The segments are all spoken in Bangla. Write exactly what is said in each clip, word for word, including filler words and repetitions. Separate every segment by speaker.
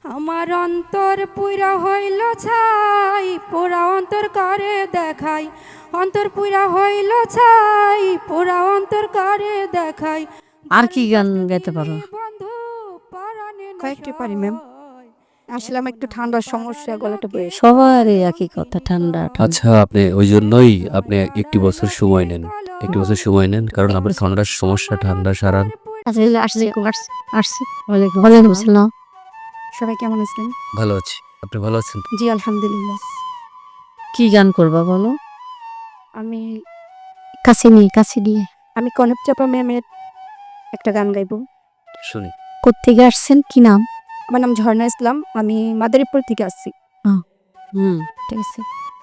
Speaker 1: আমার অন্তর পুরা হইল ছাই, পোড়া অন্তর করে দেখাই। অন্তর পুরা হইল ছাই, পোড়া অন্তর করে দেখাই।
Speaker 2: আর কি গান গাইতে পারো?
Speaker 1: বন্ধু পরাণে না
Speaker 3: কয়েকটি পারি ম্যাম।
Speaker 1: সয়।
Speaker 3: আসলাম একটু ঠান্ডার সমস্যা, গলাটা বয়ে
Speaker 2: সবারই একই কথা, ঠান্ডা ঠান্ডা।
Speaker 4: আচ্ছা, আপনি ওই জন্যই আপনি একটি বছর সময় নেন, একটি বছর সময় নেন কারণ আপনার ঠান্ডার সমস্যা ঠান্ডা সারান।
Speaker 2: আচ্ছা আসছি আসছি আসছি ওয়ালাইকুম ওয়ালাইকুম আসসালাম।
Speaker 3: সবাই কেমন আছেন?
Speaker 4: ভালো আছি, আপনি ভালো আছেন?
Speaker 3: জি আলহামদুলিল্লাহ।
Speaker 2: কি গান করবা বলো?
Speaker 3: আমি
Speaker 2: কাছে নিয়ে কাছে নিয়ে
Speaker 3: আমি কনক চাপা ম্যামের একটা গান গাইবো।
Speaker 4: শুনি।
Speaker 2: কোত্থেকে আসছেন, কি নাম?
Speaker 3: আমার নাম ঝর্ণা ইসলাম, আমি মাদারীপুর থেকে আসছি।
Speaker 2: হুম ঠিক আছে।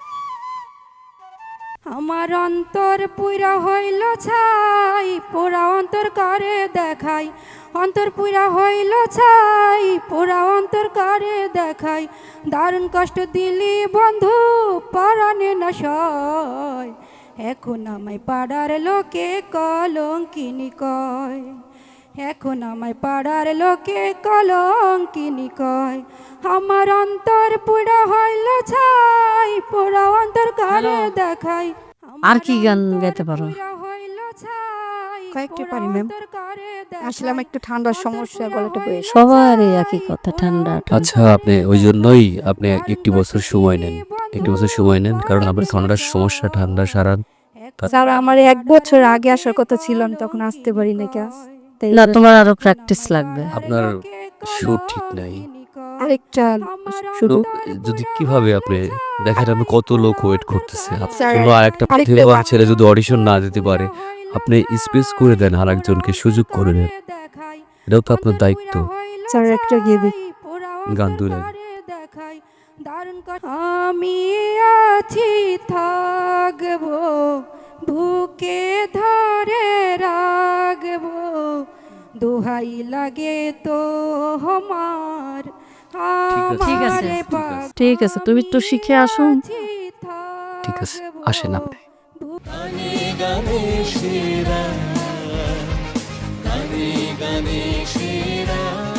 Speaker 1: আমার অন্তর পুরা হইল ছাই, পোড়া অন্তর করে দেখাই। অন্তর পুরা হইল ছাই, পোড়া অন্তর করে দেখাই। দারুণ কষ্ট দিলি বন্ধু পরাণে না সয়। এখন আমায় পাড়ার লোকে কলঙ্কিনী কয়। এখন আমায় পাড়ার লোকে কলঙ্কিনী কয়। আমার অন্তর পুরা হইল ছাই, পোড়া অন্তর করে দেখাই।
Speaker 2: আর কি গান গাইতে পারো?
Speaker 3: কয়েকটি পারি ম্যাম। আসলাম একটু ঠান্ডার সমস্যা, গলাটা বয়ে
Speaker 2: সবারই একই কথা, ঠান্ডা ঠান্ডা।
Speaker 4: আচ্ছা, আপনি ওই জন্যই আপনি একটি বছর সময় নেন, একটি বছর সময় নেন কারণ আপনার ঠান্ডার সমস্যা ঠান্ডা সারান।
Speaker 3: স্যার আমার এক বছর আগে আসার কথা ছিল, আমি তখন আসতে পারি না ক্লাস।
Speaker 2: না, তোমার আরো প্র্যাকটিস লাগবে।
Speaker 4: আপনার সুর ঠিক নাই।
Speaker 3: আরেকটা
Speaker 4: তো যদি কিভাবে আপনি দেখেন, আপনি কত লোক ওয়েট করতেছে,
Speaker 3: স্যার,
Speaker 4: আপনার আরেকটা
Speaker 3: আরেকটা
Speaker 4: প্রতিভাবান
Speaker 3: গান।
Speaker 4: ছেলে যদি অডিশন না দিতে পারে, আপনি স্পেস করে দেন, আর একজনকে সুযোগ করে দেন। এটাও তো আপনার দায়িত্ব।
Speaker 3: স্যার একটা গিয়ে দিই।
Speaker 4: গান দুই লাইন।
Speaker 1: আমি আছি থাকবো, বুকে ধরে রাখবো। দোহাই লাগে তো আমার,
Speaker 2: ঠিক আছে,
Speaker 1: আমারে
Speaker 2: ঠিক আছে, তুমি একটু শিখে আসো।
Speaker 4: ঠিক আছে, আসেন আপনি।
Speaker 5: গানে গানে সেরা, গানে গানে সেরা।